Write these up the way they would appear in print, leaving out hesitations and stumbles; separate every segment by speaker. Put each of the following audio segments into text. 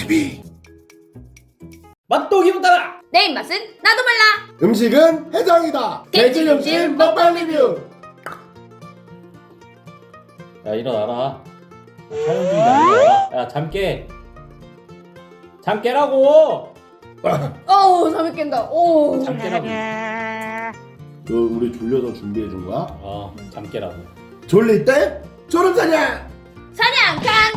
Speaker 1: TV.
Speaker 2: 맛도 기분 따라.
Speaker 3: 내 입맛은 나도 몰라.
Speaker 1: 음식은 해장이다.
Speaker 3: 개질 음식 먹방
Speaker 1: 리뷰.
Speaker 2: 야 일어나라. 촬영 중이다. 일어나라. 야 잠 깨. 잠 깨라고.
Speaker 3: 어우 잠이 깬다. 오.
Speaker 2: 잠 깨라고.
Speaker 1: 너 우리 졸려서 준비해 준 거야?
Speaker 2: 잠 깨라고.
Speaker 1: 졸릴 때 졸음사냥.
Speaker 3: 사냥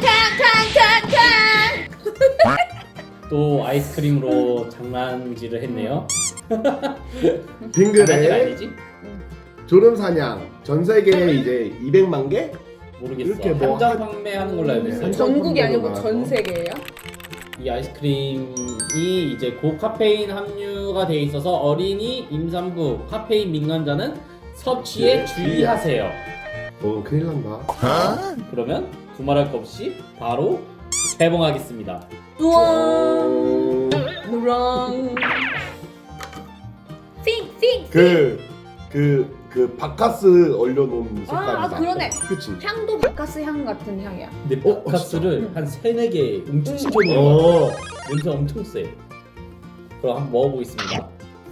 Speaker 3: 캉캉캉캉캉.
Speaker 2: 또 아이스크림으로 장난질을 했네요. 장난질
Speaker 1: 빙그레
Speaker 2: 아니지?
Speaker 1: 졸음사냥. 전 세계에 이제 200만 개?
Speaker 2: 모르겠어.
Speaker 1: 이렇게 뭐
Speaker 2: 한정 판매하는 걸로 알고 있어요.
Speaker 3: 전국이 아니고
Speaker 1: 나와서.
Speaker 3: 전 세계예요?
Speaker 2: 이 아이스크림이 이제 고카페인 함유가 돼 있어서 어린이, 임산부, 카페인 민감자는 섭취에
Speaker 1: 네,
Speaker 2: 주의하세요.
Speaker 1: 큰일 난다.
Speaker 2: 그러면 두말할 것 없이 바로 개봉하겠습니다.
Speaker 3: 우왕 누랑 핑핑
Speaker 1: 그 바카스 얼려놓은 색깔이다.
Speaker 3: 그러네.
Speaker 1: 그치?
Speaker 3: 향도 바카스 향 같은 향이야.
Speaker 2: 근데 바카스를 한 3-4개 웅축시켜 놓은 거
Speaker 1: 어.
Speaker 2: 냄새 엄청 세. 그럼 한번 먹어보겠습니다.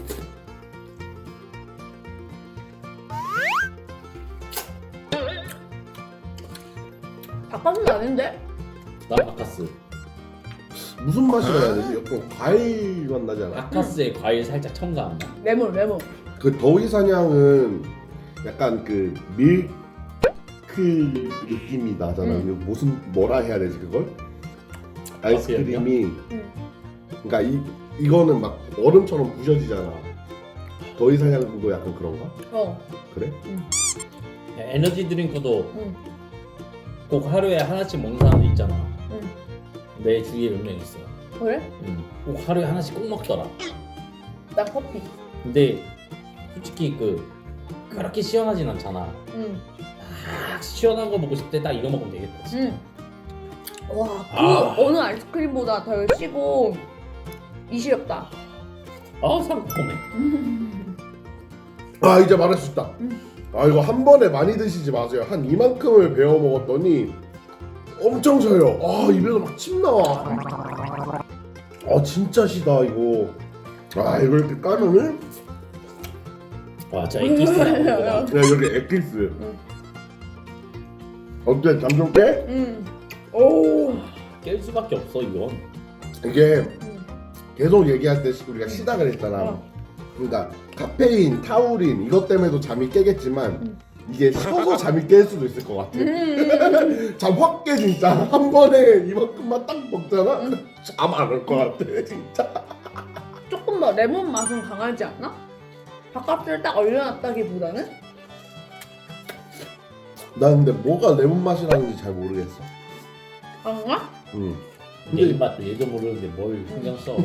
Speaker 3: 바카스는 아닌데?
Speaker 2: 나 바카스.
Speaker 1: 무슨 맛이라 해야 되지? 약간 과일 맛 나지 않아?
Speaker 2: 바카스에 과일 살짝 첨가한다.
Speaker 3: 레몬.
Speaker 1: 그 더위사냥은 약간 그 밀크 느낌이 나잖아. 이거 무슨 뭐라 해야 되지 그걸? 아이스크림이 그러니까 이거는 막 얼음처럼 부셔지잖아. 더위사냥도 약간 그런가? 그래?
Speaker 2: 에너지 드링크도 꼭 하루에 하나씩 먹는 사람도 있잖아. 내 주위에 몇 명 있어.
Speaker 3: 그래?
Speaker 2: 꼭 하루에 하나씩 꼭 먹더라.
Speaker 3: 나 커피.
Speaker 2: 근데 솔직히 그렇게 시원하진 않잖아. 막 시원한 거 먹고 싶을 때 딱 이거 먹으면 되겠다. 진짜.
Speaker 3: 와, 어느 아이스크림보다 덜 시고 이시렵다.
Speaker 2: 상콤해.
Speaker 1: 아 이제 말할 수 있다. 아 이거 한 번에 많이 드시지 마세요. 한 이만큼을 베어 먹었더니 엄청 셔요. 아 입에서 막 침 나와. 아 진짜 시다 이거. 아 이거 이렇게 까면은
Speaker 2: 와, 진짜 엑기스 나오는 거 봐.
Speaker 1: 야 여기 엑기스. 어때? 잠 좀 깨?
Speaker 3: 오.
Speaker 2: 깰 수밖에 없어 이건.
Speaker 1: 이게 계속 얘기할 때 우리가 시작을 했잖아. 그러니까 카페인, 타우린 이것 때문에도 잠이 깨겠지만 이게 쉬어서 잠이 깰 수도 있을 것 같아. 잠 확 깨 진짜. 한 번에 이만큼만 딱 먹잖아. 잠 안 올 것 같아 진짜.
Speaker 3: 조금 더 레몬 맛은 강하지 않나? 바카스를 딱 얼려놨다기보다는?
Speaker 1: 나 근데 뭐가 레몬 맛이라는지 잘 모르겠어.
Speaker 3: 강하?
Speaker 2: 내 입맛도 예전 모르는데 뭘 신경 써.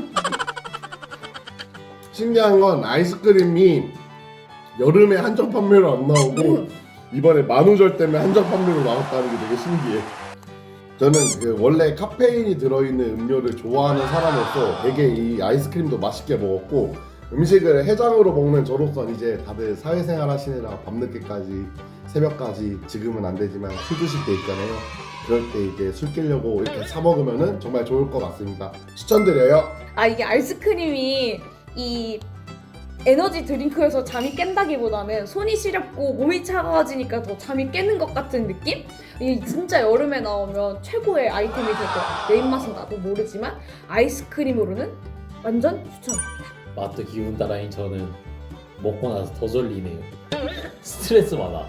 Speaker 1: 신기한 건 아이스크림이 여름에 한정 판매로 안 나오고 이번에 만우절 때문에 한정 판매로 나왔다는 게 되게 신기해. 저는 그 원래 카페인이 들어있는 음료를 좋아하는 사람으로서 되게 이 아이스크림도 맛있게 먹었고 음식을 해장으로 먹는 저로선 이제 다들 사회생활 하시느라 밤늦게까지 새벽까지 지금은 안 되지만 술 드실 때 있잖아요. 그럴 때 이제 술 깨려고 이렇게 사 먹으면은 정말 좋을 것 같습니다. 추천드려요.
Speaker 3: 이게 아이스크림이 이 에너지 드링크에서 잠이 깬다기보다는 손이 시렵고 몸이 차가워지니까 더 잠이 깨는 것 같은 느낌? 이게 진짜 여름에 나오면 최고의 아이템이 될 거야. 내 입맛은 나도 모르지만 아이스크림으로는 완전 추천합니다.
Speaker 2: 맛도 기분 따라인 저는 먹고 나서 더 졸리네요. 스트레스 받아.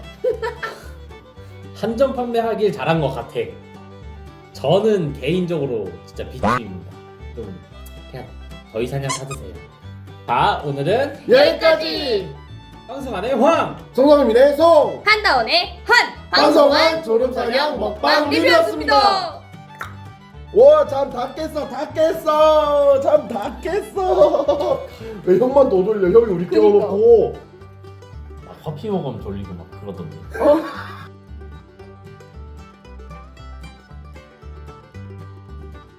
Speaker 2: 한정 판매하길 잘한 것 같아. 저는 개인적으로 진짜 비추입니다. 좀 그냥 더위사냥 사드세요. 자, 오늘은
Speaker 1: 여기까지.
Speaker 2: 황승환의 황!
Speaker 1: 송성민의 송.
Speaker 3: 한다원의 한!
Speaker 1: 방송한 졸음사냥 먹방 리뷰였습니다. 와, 잠 다 깼어, 다 깼어, 잠 다 깼어. 왜 형만 더 졸려? 형이 우리
Speaker 3: 그러니까.
Speaker 1: 깨워놓고.
Speaker 2: 커피 먹으면 졸리고 막 그러던데.